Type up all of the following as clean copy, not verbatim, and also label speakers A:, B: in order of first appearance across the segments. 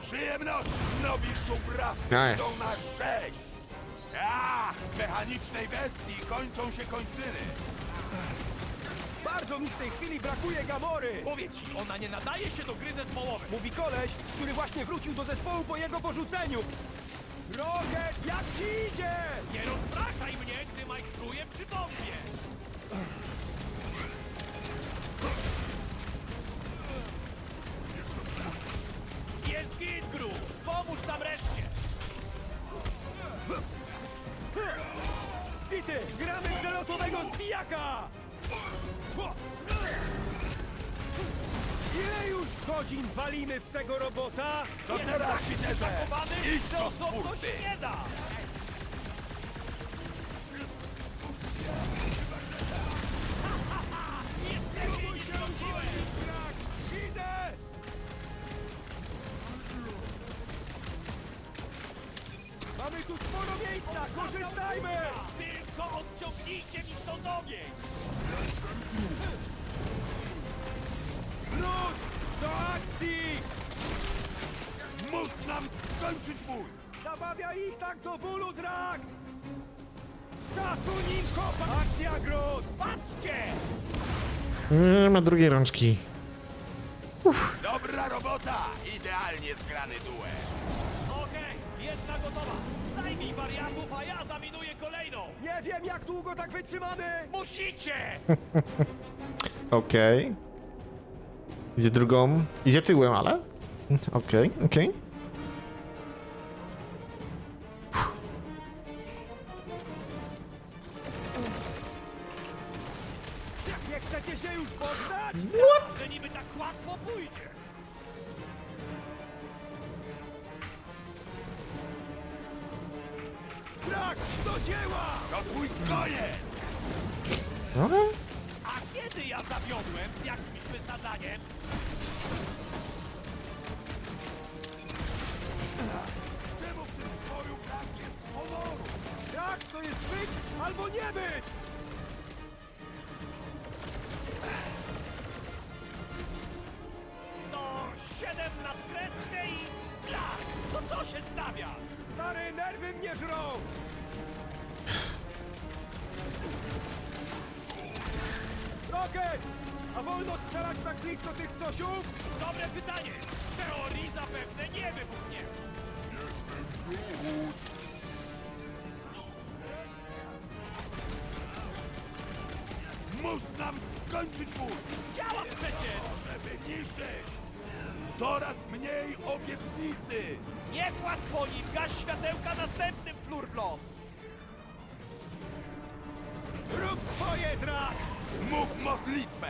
A: przyjemności! Nowi szubrawcy
B: Nice.
A: idą na 6! Ach, mechanicznej bestii kończą się kończyny!
C: Bardzo mi w tej chwili brakuje Gamory!
D: Mówię ci, ona nie nadaje się do gry zespołowej.
C: Mówi koleś, który właśnie wrócił do zespołu po jego porzuceniu. Rocket, jak ci idzie?
D: Nie rozpraszaj mnie, gdy majstruję przy bombie. Jest git, Gru! Pomóż tam reszcie!
C: Spity, gramy w przelotowego zbijaka! Ile już godzin walimy w tego robota?
A: Co
D: Jest
A: teraz,
D: tak
A: Peterze?
D: zakopany,
A: Idź
D: że
A: do
D: osobno
A: twórcy!
D: się nie da! Nic lepiej nie zrobiłeś!
C: Idę! Mamy tu sporo miejsca, korzystajmy!
D: Tylko odciągnijcie mi stąd ogień!
C: Wróć! Do akcji!
A: Mus nam skończyć bój!
C: Zabawia ich tak do bólu, Drax! Zasuń im kopa! Akcja, Groot!
D: Patrzcie!
B: Nie ma drugiej rączki.
A: Dobra robota! Idealnie zgrany duet!
D: Okej, jedna gotowa. Zajmij wariatów, a ja zaminuję kolejną.
C: Nie wiem, jak długo tak wytrzymamy!
D: Musicie!
B: Okej. Idzie drugą. Idzie tyłem, ale? Okej, okej.
C: Nie chcecie się już poddać?
D: Że niby tak łatwo pójdzie.
C: Drax, do dzieła!
A: To twój koniec!
B: Okej.
D: A kiedy ja zawiodłem z jakimś wysadaniem?
A: Czemu w tym boju brak jest honoru?
C: Drax, to jest być albo nie być!
D: No, 7 na kreskę i... Blach! To co się stawiasz?
C: Stary, nerwy mnie żrą! Rocket! A wolno strzelać tak blisko tych stosiów?
D: Dobre pytanie. W teorii zapewne nie wybuchnie.
A: Mus nam skończyć bój!
D: Działa przecież!
A: Żeby niszczyć! Coraz mniej obietnicy!
D: Nie płacz po nim! Gaś światełka następnym flurblom!
C: Rób swoje, Drax!
A: Mów modlitwę!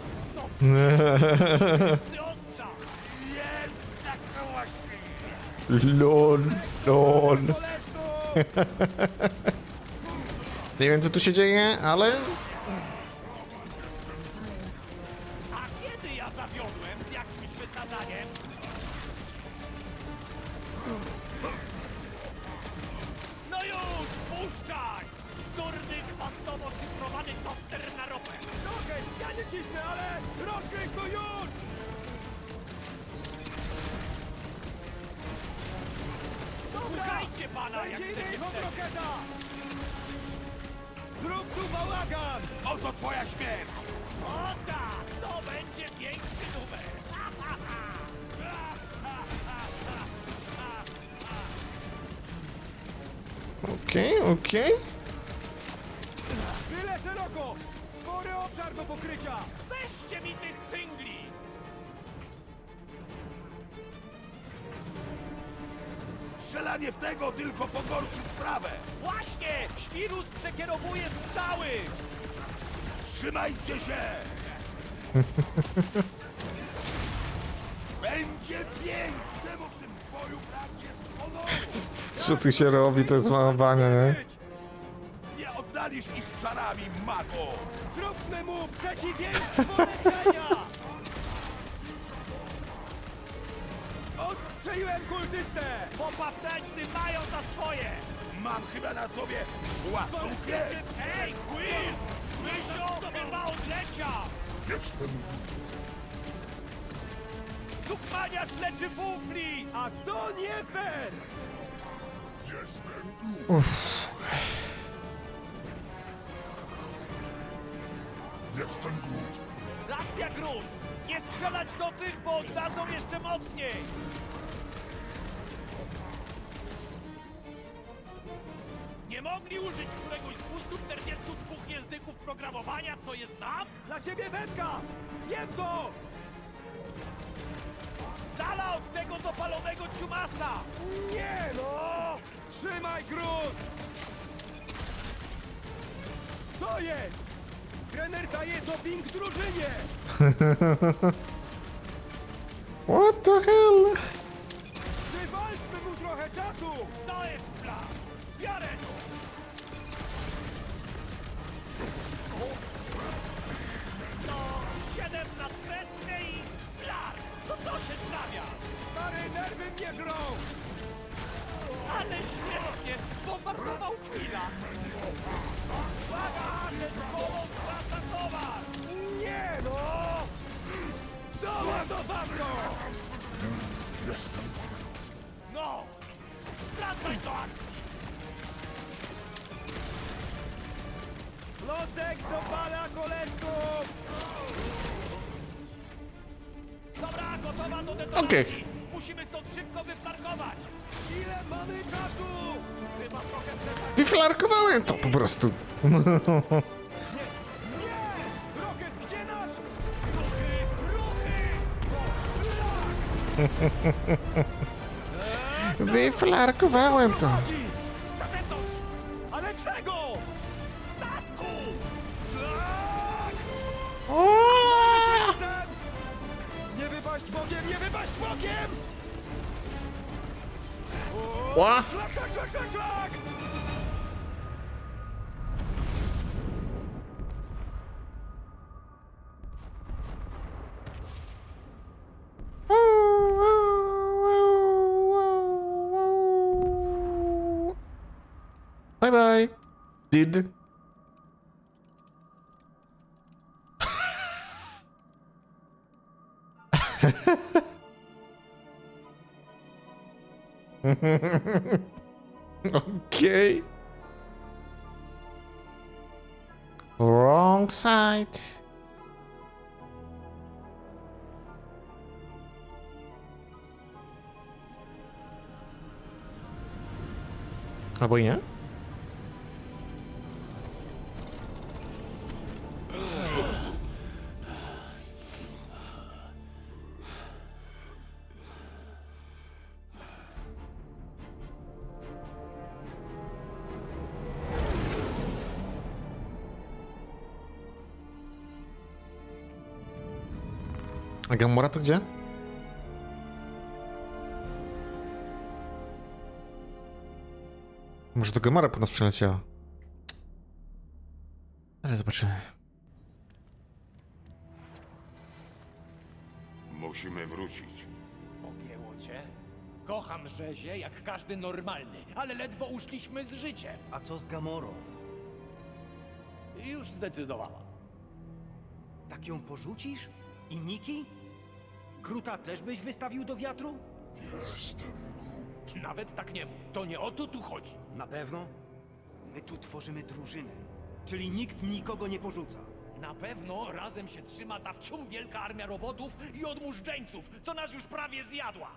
D: Ty ostrza!
A: Jest zakołaczny!
B: LOL, LOL.
C: Koleżko!
B: Nie wiem, co tu się dzieje, ale...
D: A kiedy ja zawiodłem z jakimś wysadaniem? No już! Puszczaj! Durny, kwantowo szyfrowany toster na ropę!
C: Rocket, ja nie cisnę, ale rozgryź to już! Dobra!
D: Słuchajcie pana, jak
C: Będzie
D: chcecie
C: innej od
D: przeżyć!
C: Rocketa! Zrób tu bałagan!
A: Oto twoja śmierć!
D: O tak! To będzie większy numer!
B: Okej, okej.
C: Tyle szeroko! Spory obszar do pokrycia!
D: Weźcie mi tych cyngli!
A: Strzelanie w tego tylko pogorszy sprawę!
D: Właśnie! Świrus przekierowuje strzały!
A: Trzymajcie się! Będzie pięknie! Czemu w tym boju brak jest honoru?
B: Co tu się robi, to jest malowanie, nie?
A: Nie ocalisz ich czarami, mago!
C: Zróbmy mu przeciwieństwo leczenia! Odstrzeliłem kultystę!
D: Popawtańcy mają za swoje!
A: Mam chyba na sobie własną krew!
D: Ej, Quill! Mysio chyba odleciał! Sukmaniarz leczy bufli!
C: A to nie fair!
B: Uff.
D: Racja, Grun! Nie strzelać do tych, bo oddadzą jeszcze mocniej! Nie mogli użyć któregoś z 242 języków programowania, co je znam?
C: Dla ciebie wędka! Jem to!
D: Z dala od tego dopalonego ciumasa!
C: Nie no! Trzymaj grunt! Co jest? Trener daje doping drużynie!
B: What the hell?
C: Wywalczmy mu trochę czasu!
D: To jest plan! Biorę to! No, 7 na kreskę i flar! To się stawia!
C: Stary, nerwy mnie żrą!
D: Ale śmiesznie! Bombardował Quilla! Uwaga! Ten kolos wraca towar!
C: Nie no! Doładowanko!
D: No! Wracaj do akcji!
C: Locek dopala koleżków!
D: Dobra, gotowa do detonacji!
B: Okej.
D: Musimy stąd szybko wyflarkować!
C: Ile mamy czasu?
D: Chyba trochę przed...
B: Wyflarkowałem to po prostu.
C: Nie! Rocket, gdzie nasz?
D: Ruchy! Ruchy!
B: Wyflarkowałem to.
C: Chodzi!
D: Na zewnątrz!
C: Ale czego?
D: Statku!
C: Szlak!
B: O!
C: Razem! Nie wypaść bokiem, nie wypaść bokiem!
B: Ła!
C: Szlak, szlak, szlak, szlak, szlak!
B: Bye bye. Did. Okay. Wrong side. Albo i nie? A Gamora to gdzie? Może to Gamora po nas przyleciała. Ale zobaczymy.
A: Musimy wrócić.
D: Pogięło cię? Kocham rzezie jak każdy normalny, ale ledwo uszliśmy z życiem.
C: A co z Gamorą?
D: Już zdecydowała.
C: Tak ją porzucisz? I Niki? Gruta też byś wystawił do wiatru?
D: Nawet tak nie mów, to nie o to tu chodzi.
C: Na pewno? My tu tworzymy drużynę, czyli nikt nikogo nie porzuca.
D: Na pewno razem się trzyma ta wciąż wielka armia robotów i odmóżdżeńców, co nas już prawie zjadła.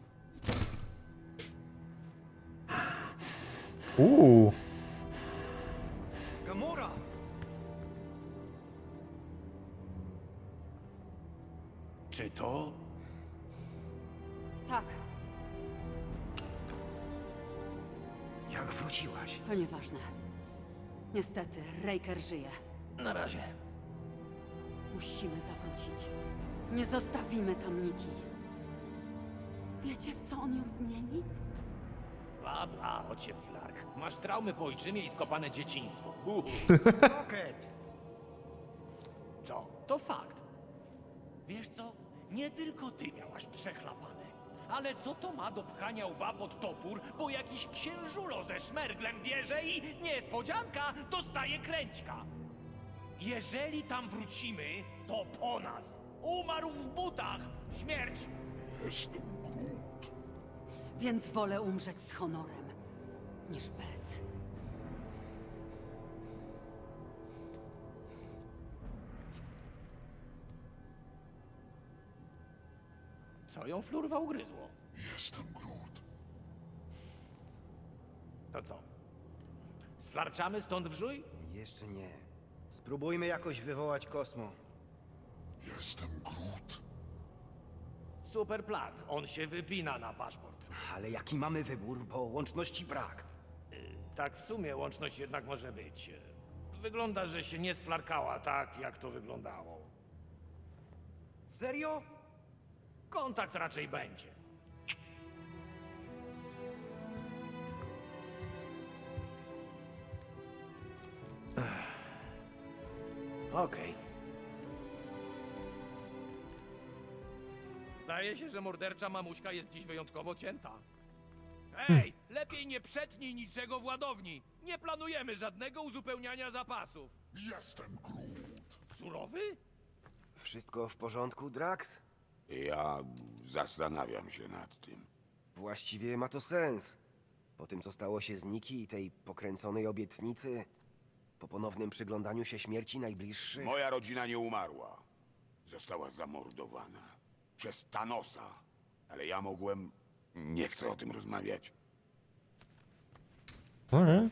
C: Gamora!
D: Czy to...
E: Tak,
C: Jak wróciłaś?
E: to nieważne. Niestety, Raker żyje.
D: Na razie.
E: Musimy zawrócić. Nie zostawimy tam Niki. Wiecie, w co on ją zmieni?
D: Bla, bla, ocie flark. Masz traumy po ojczymie i skopane dzieciństwo.
C: Rocket!
D: Co? To fakt. Wiesz co? Nie tylko ty miałaś przechlapane. Ale co to ma do pchania łba pod topór, bo jakiś księżulo ze szmerglem bierze i niespodzianka dostaje kręćka. Jeżeli tam wrócimy, to po nas. Umarł w butach. Śmierć.
E: Więc wolę umrzeć z honorem, niż bez.
D: Co ją flurwa ugryzło?
F: Jestem Groot.
D: To co? Sflarczamy stąd wrzuj?
C: Jeszcze nie. Spróbujmy jakoś wywołać Kosmo.
F: Jestem Groot.
D: Super plan. On się wypina na paszport.
C: Ale jaki mamy wybór, bo łączności brak.
D: Tak w sumie łączność jednak może być. Wygląda, że się nie sflarkała tak, jak to wyglądało.
C: Serio?
D: Kontakt raczej będzie. Okej. Zdaje się, że mordercza mamuśka jest dziś wyjątkowo cięta. Ej, lepiej nie przetnij niczego w ładowni. Nie planujemy żadnego uzupełniania zapasów.
F: Jestem Groot.
D: Surowy?
G: Wszystko w porządku, Drax?
H: Ja zastanawiam się nad tym.
G: Właściwie ma to sens. Po tym, co stało się z Nikki i tej pokręconej obietnicy, po ponownym przyglądaniu się śmierci najbliższych...
H: Moja rodzina nie umarła. Została zamordowana. Przez Thanosa. Ale ja mogłem... Nie chcę o tym rozmawiać.
B: Okej.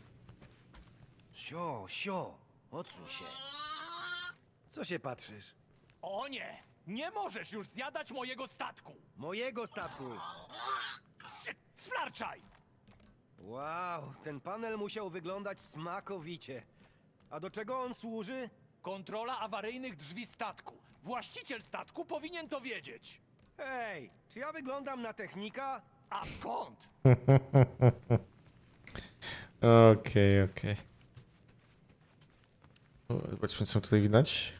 C: Sio, odsuń się. Co się patrzysz?
D: O nie! Nie możesz już zjadać mojego statku!
C: Mojego statku!
D: Sflarczaj!
C: Wow, ten panel musiał wyglądać smakowicie. A do czego on służy?
D: Kontrola awaryjnych drzwi statku. Właściciel statku powinien to wiedzieć.
C: Hej, czy ja wyglądam na technika?
D: A skąd?
B: Okej. O, zobaczmy, co tutaj widać.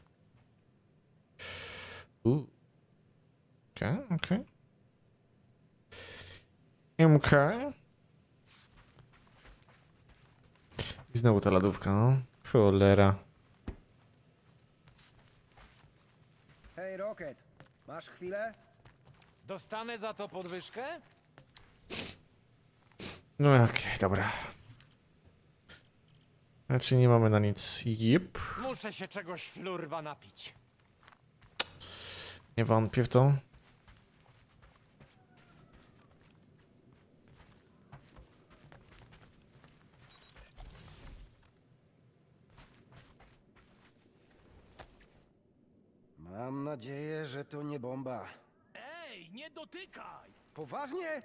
B: Okej. I znowu ta lodówka, no. Cholera.
C: Hej, Rocket, masz chwilę?
D: Dostanę za to podwyżkę?
B: No okej, dobra. Znaczy nie mamy na nic. Jip.
D: Muszę się czegoś flurwa napić.
B: Nie wątpię w to.
C: Mam nadzieję, że to nie bomba.
D: Ej, nie dotykaj!
C: Poważnie?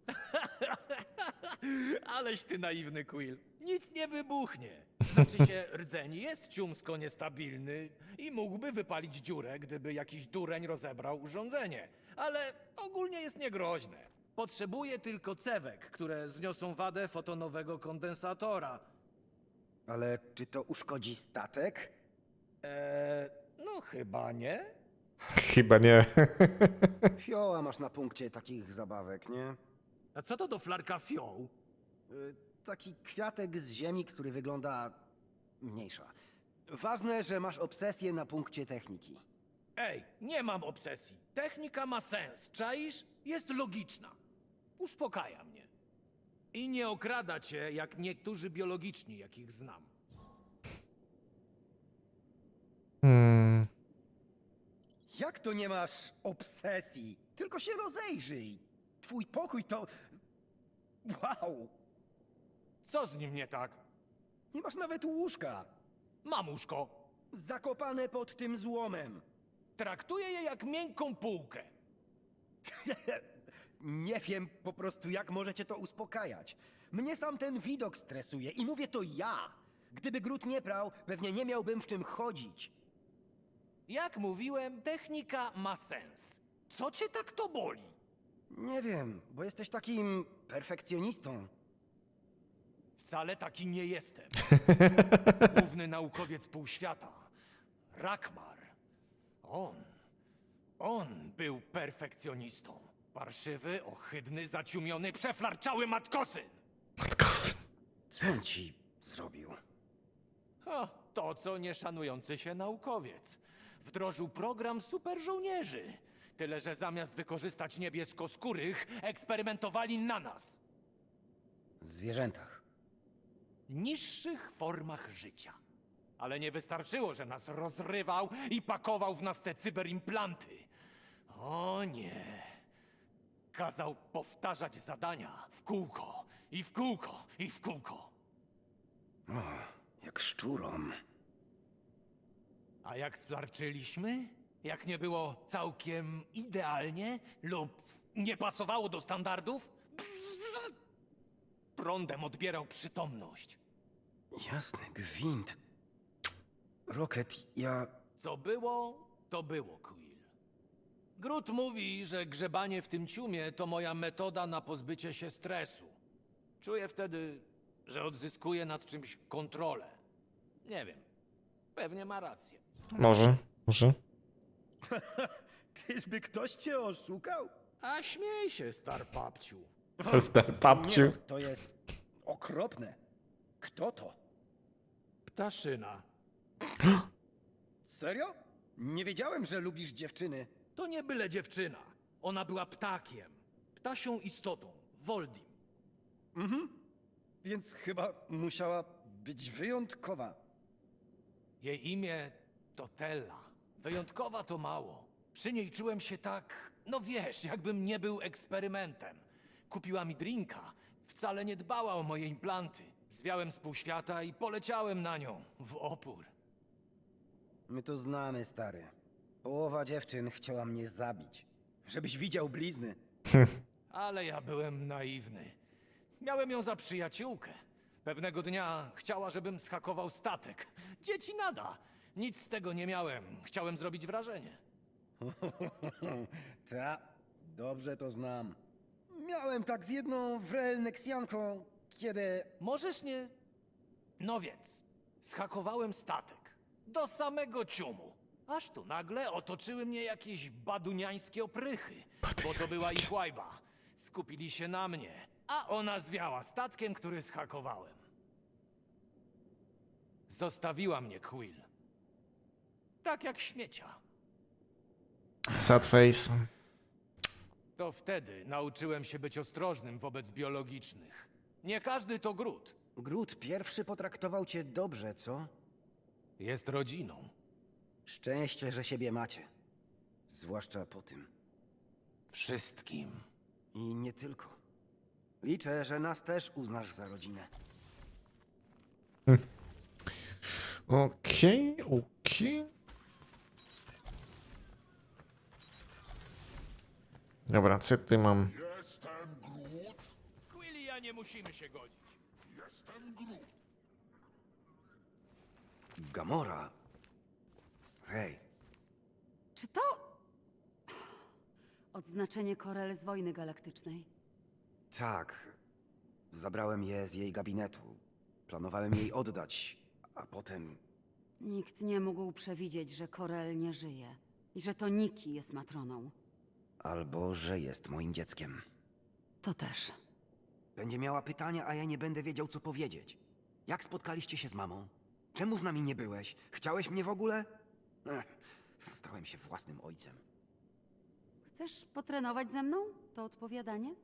D: Aleś ty naiwny, Quill. Nic nie wybuchnie. Znaczy się, rdzeń jest ciumsko niestabilny i mógłby wypalić dziurę, gdyby jakiś dureń rozebrał urządzenie. Ale ogólnie jest niegroźne. Potrzebuje tylko cewek, które zniosą wadę fotonowego kondensatora.
C: Ale czy to uszkodzi statek?
D: No chyba nie.
B: Chyba nie.
C: Fioła masz na punkcie takich zabawek, nie?
D: A co to do flarka fioł?
C: Taki kwiatek z ziemi, który wygląda... mniejsza. Ważne, że masz obsesję na punkcie techniki.
D: Ej, nie mam obsesji. Technika ma sens, czaisz? Jest logiczna. Uspokaja mnie. I nie okrada cię jak niektórzy biologiczni, jakich znam.
C: Jak to nie masz obsesji? Tylko się rozejrzyj. Twój pokój to... Wow!
D: Co z nim nie tak?
C: Nie masz nawet łóżka.
D: Mamuszko,
C: Zakopane pod tym złomem.
D: traktuję je jak miękką półkę.
C: Nie wiem po prostu, jak możecie to uspokajać. Mnie sam ten widok stresuje i mówię to ja. Gdyby Groot nie prał, pewnie nie miałbym w czym chodzić.
D: Jak mówiłem, technika ma sens. Co cię tak to boli?
C: Nie wiem, bo jesteś takim perfekcjonistą.
D: Wcale taki nie jestem. Główny naukowiec półświata, Rakmar. On był perfekcjonistą. Parszywy, ohydny, zaciumiony, przeflarczały matkosyn.
B: Matkos.
C: Co on ci zrobił?
D: To, co nieszanujący się naukowiec. Wdrożył program super żołnierzy. Tyle, że zamiast wykorzystać niebieskoskórych, eksperymentowali na nas.
C: Zwierzętach.
D: Niższych formach życia. Ale nie wystarczyło, że nas rozrywał i pakował w nas te cyberimplanty. O nie. Kazał powtarzać zadania w kółko, i w kółko, i w kółko.
C: Jak szczurom.
D: A jak sflarczyliśmy? Jak nie było całkiem idealnie lub nie pasowało do standardów? Prądem odbierał przytomność.
C: Jasny gwint. Rocket, ja...
D: Co było, to było, Quill. Groot mówi, że grzebanie w tym ciumie to moja metoda na pozbycie się stresu. Czuję wtedy, że odzyskuję nad czymś kontrolę. Nie wiem. Pewnie ma rację.
B: Może, może.
C: Czyżby ktoś cię oszukał?
D: A śmiej się, star papciu.
B: Papciu.
C: Nie, no, to jest okropne. Kto to?
D: Ptaszyna.
C: Serio? Nie wiedziałem, że lubisz dziewczyny.
D: To nie byle dziewczyna. Ona była ptakiem. Ptasią istotą. Voldim.
C: Więc chyba musiała być wyjątkowa.
D: Jej imię to Tella. Wyjątkowa to mało. Przy niej czułem się tak, no wiesz, jakbym nie był eksperymentem. Kupiła mi drinka. Wcale nie dbała o moje implanty. Zwiałem z półświata i poleciałem na nią w opór.
C: My to znamy, stary. Połowa dziewczyn chciała mnie zabić. Żebyś widział blizny.
D: Ale ja byłem naiwny. Miałem ją za przyjaciółkę. Pewnego dnia chciała, żebym zhakował statek. Dzieci nada. Nic z tego nie miałem. Chciałem zrobić wrażenie.
C: Ta, dobrze to znam. Miałem tak z jedną wrelneksjanką, kiedy...
D: Możesz nie... No więc, zhakowałem statek. Do samego ciumu. Aż tu nagle otoczyły mnie jakieś baduniańskie oprychy. Bo to była ich łajba. Skupili się na mnie. A ona zwiała statkiem, który zhakowałem. Zostawiła mnie Quill. Tak jak śmiecia.
B: Sad face.
D: To wtedy nauczyłem się być ostrożnym wobec biologicznych. Nie każdy to Groot.
C: Groot pierwszy potraktował cię dobrze, co?
D: Jest rodziną.
C: Szczęście, że siebie macie. Zwłaszcza po tym.
D: Wszystkim.
C: I nie tylko. Liczę, że nas też uznasz za rodzinę.
B: Okej, okej. Dobra, co ja tutaj mam?
F: Jestem Groot.
D: Quill i ja nie musimy się godzić.
F: Jestem Groot.
C: Gamora? Hej,
E: Czy to... Odznaczenie Korel z wojny galaktycznej?
C: tak. Zabrałem je z jej gabinetu. Planowałem jej oddać, a potem...
E: Nikt nie mógł przewidzieć, że Korel nie żyje. I że to Nikki jest matroną.
C: Albo, że jest moim dzieckiem.
E: To też.
C: Będzie miała pytania, a ja nie będę wiedział, co powiedzieć. Jak spotkaliście się z mamą? Czemu z nami nie byłeś? Chciałeś mnie w ogóle? Stałem się własnym ojcem.
E: Chcesz potrenować ze mną? To odpowiadanie?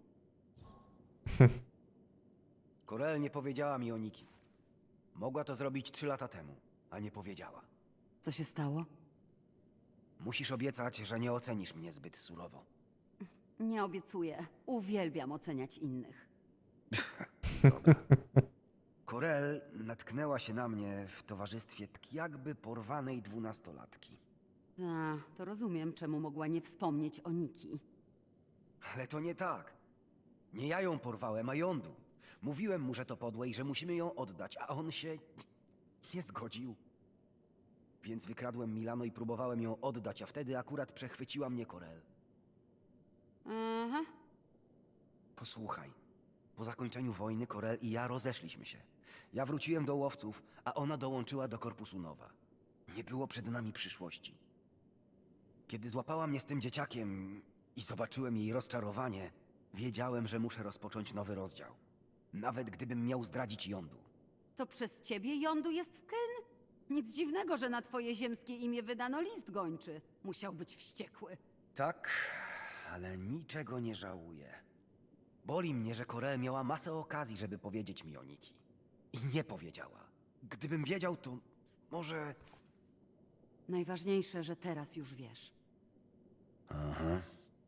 C: Korel nie powiedziała mi o Niki. Mogła to zrobić 3 lata temu, a nie powiedziała.
E: Co się stało?
C: Musisz obiecać, że nie ocenisz mnie zbyt surowo.
E: Nie obiecuję. Uwielbiam oceniać innych.
C: Dobra. Korel natknęła się na mnie w towarzystwie tak jakby porwanej 12-latki.
E: Ta, to rozumiem, czemu mogła nie wspomnieć o Nikki.
C: Ale to nie tak. Nie ja ją porwałem, a Yondu. Mówiłem mu, że to podłe i że musimy ją oddać, a on się nie zgodził. Więc wykradłem Milano i próbowałem ją oddać, a wtedy akurat przechwyciła mnie Korel.
E: Aha.
C: Posłuchaj. Po zakończeniu wojny Korel i ja rozeszliśmy się. Ja wróciłem do łowców, a ona dołączyła do Korpusu Nowa. Nie było przed nami przyszłości. Kiedy złapała mnie z tym dzieciakiem i zobaczyłem jej rozczarowanie, wiedziałem, że muszę rozpocząć nowy rozdział. Nawet gdybym miał zdradzić Yondu.
E: To przez ciebie Yondu jest w Keln? Nic dziwnego, że na twoje ziemskie imię wydano list gończy. Musiał być wściekły.
C: Tak, ale niczego nie żałuję. Boli mnie, że Corel miała masę okazji, żeby powiedzieć mi o Niki. I nie powiedziała. Gdybym wiedział, to może...
E: Najważniejsze, że teraz już wiesz.
C: Aha.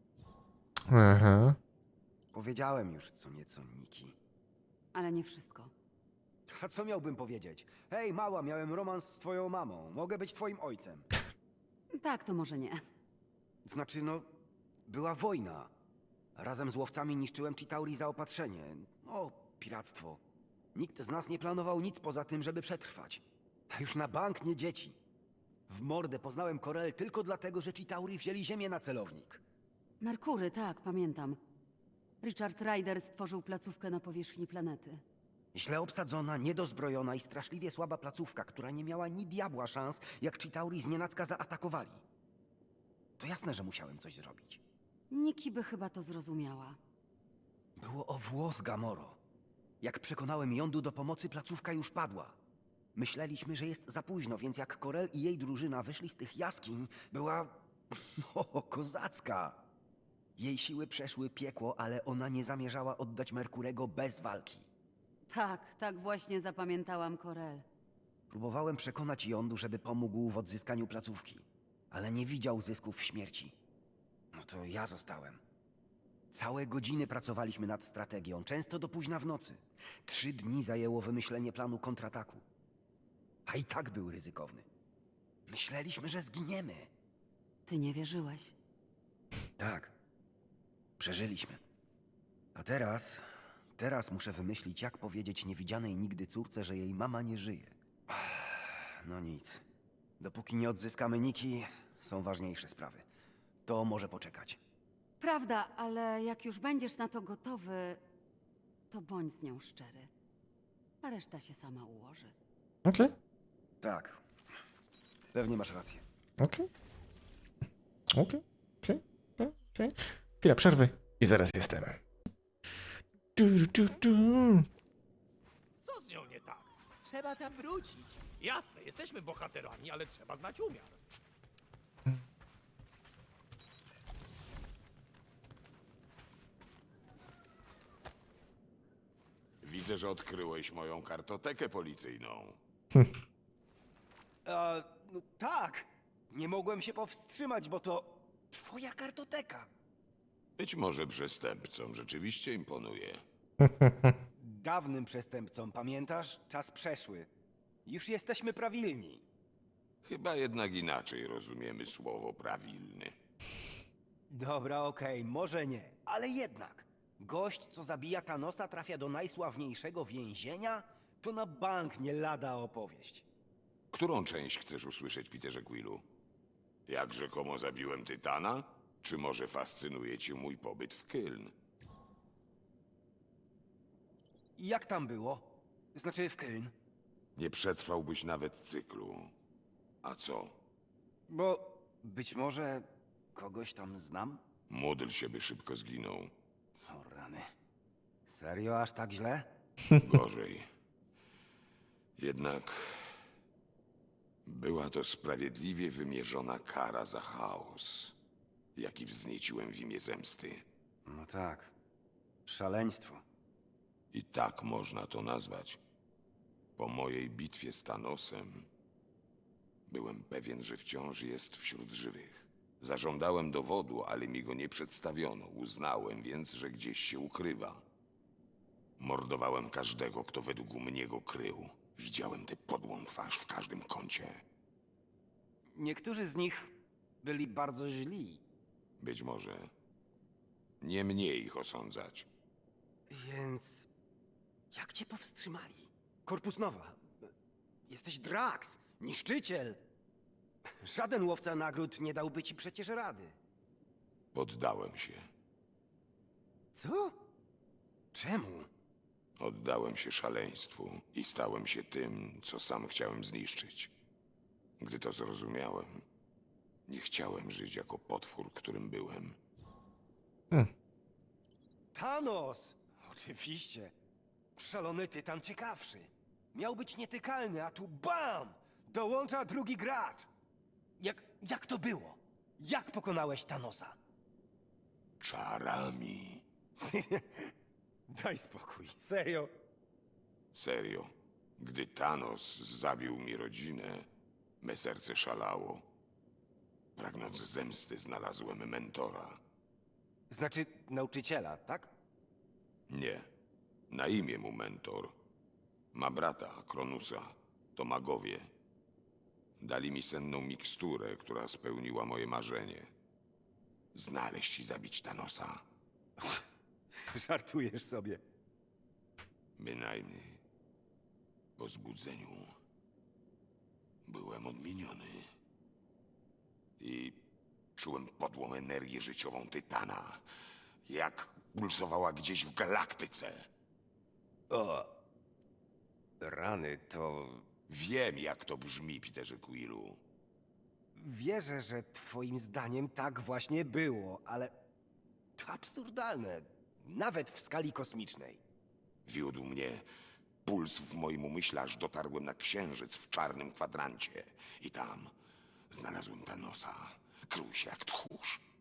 B: Aha.
C: Powiedziałem już co nieco Niki.
E: Ale nie wszystko.
C: A co miałbym powiedzieć? Hej, mała, miałem romans z twoją mamą. Mogę być twoim ojcem.
E: Tak, to może nie.
C: Znaczy, no, była wojna. Razem z łowcami niszczyłem Chitauri zaopatrzenie. No, piractwo. Nikt z nas nie planował nic poza tym, żeby przetrwać. A już na bank nie dzieci. W mordę poznałem Corel tylko dlatego, że Chitauri wzięli ziemię na celownik.
E: Merkury, tak, pamiętam. Richard Ryder stworzył placówkę na powierzchni planety.
C: Źle obsadzona, niedozbrojona i straszliwie słaba placówka, która nie miała ni diabła szans, jak Chitauri znienacka zaatakowali. To jasne, że musiałem coś zrobić.
E: Niki by chyba to zrozumiała.
C: Było o włos, Gamoro. Jak przekonałem Jądu do pomocy, placówka już padła. Myśleliśmy, że jest za późno, więc jak Corel i jej drużyna wyszli z tych jaskiń, była... no, kozacka. Jej siły przeszły piekło, ale ona nie zamierzała oddać Merkurego bez walki.
E: Tak, tak właśnie zapamiętałam Corel.
C: Próbowałem przekonać Jądu, żeby pomógł w odzyskaniu placówki, ale nie widział zysków w śmierci. No to ja zostałem. Całe godziny pracowaliśmy nad strategią, często do późna w nocy. 3 dni zajęło wymyślenie planu kontrataku. A i tak był ryzykowny. Myśleliśmy, że zginiemy.
E: Ty nie wierzyłeś.
C: Tak. Przeżyliśmy. A teraz muszę wymyślić, jak powiedzieć niewidzianej nigdy córce, że jej mama nie żyje. No nic. Dopóki nie odzyskamy Niki, są ważniejsze sprawy. To może poczekać.
E: Prawda, ale jak już będziesz na to gotowy, to bądź z nią szczery. A reszta się sama ułoży.
B: Okej,
C: Tak. Pewnie masz rację.
B: okej. Okej. Chwila przerwy i zaraz jestem.
D: Co z nią nie tak? Trzeba tam wrócić. Jasne, jesteśmy bohaterami, ale trzeba znać umiar.
H: Widzę, że odkryłeś moją kartotekę policyjną.
C: No tak. Nie mogłem się powstrzymać, bo to twoja kartoteka.
H: Być może przestępcom rzeczywiście imponuje.
C: Dawnym przestępcom, pamiętasz? Czas przeszły. Już jesteśmy prawilni.
H: Chyba jednak inaczej rozumiemy słowo prawilny.
C: Dobra, okej, może nie, ale jednak. Gość, co zabija Thanosa, trafia do najsławniejszego więzienia? To na bank nie lada opowieść.
H: Którą część chcesz usłyszeć, Peterze Quillu? Jak rzekomo zabiłem Tytana? Czy może fascynuje cię mój pobyt w Kyln?
C: I jak tam było? Znaczy w Kyln?
H: Nie przetrwałbyś nawet cyklu. A co?
C: Bo być może kogoś tam znam?
H: Módl się, by szybko zginął.
C: O rany. Serio aż tak źle?
H: Gorzej. Jednak była to sprawiedliwie wymierzona kara za chaos, jaki wznieciłem w imię zemsty.
C: No tak. Szaleństwo.
H: I tak można to nazwać. Po mojej bitwie z Thanosem byłem pewien, że wciąż jest wśród żywych. Zażądałem dowodu, ale mi go nie przedstawiono. Uznałem więc, że gdzieś się ukrywa. Mordowałem każdego, kto według mnie go krył. Widziałem tę podłą twarz w każdym kącie.
C: Niektórzy z nich byli bardzo źli.
H: Być może nie mnie ich osądzać.
C: Więc jak cię powstrzymali? Korpus Nowa. Jesteś Drax, niszczyciel. Żaden łowca nagród nie dałby ci przecież rady.
H: Poddałem się.
C: Co? Czemu?
H: Oddałem się szaleństwu i stałem się tym, co sam chciałem zniszczyć. Gdy to zrozumiałem, nie chciałem żyć jako potwór, którym byłem.
C: Thanos! Oczywiście. Szalony tytan ciekawszy. Miał być nietykalny, a tu BAM! Dołącza drugi gracz. Jak to było?
G: Jak pokonałeś Thanosa?
H: Czarami.
G: Daj spokój. Serio?
H: Serio. Gdy Thanos zabił mi rodzinę, me serce szalało. Pragnąc zemsty, znalazłem mentora.
G: Znaczy nauczyciela, tak?
H: Nie. Na imię mu mentor. Ma brata, Kronusa. To magowie. Dali mi senną miksturę, która spełniła moje marzenie. Znaleźć i zabić Thanosa.
G: Żartujesz sobie.
H: Bynajmniej. Po zbudzeniu byłem odmieniony. I czułem podłą energię życiową Tytana. Jak pulsowała gdzieś w galaktyce.
G: O. Rany, to...
H: Wiem, jak to brzmi, Peterze Quillu.
G: Wierzę, że twoim zdaniem tak właśnie było, ale... To absurdalne. Nawet w skali kosmicznej.
H: Wiódł mnie puls w moim umyśle, aż dotarłem na księżyc w czarnym kwadrancie. I tam znalazłem Thanosa. Krył się jak tchórz.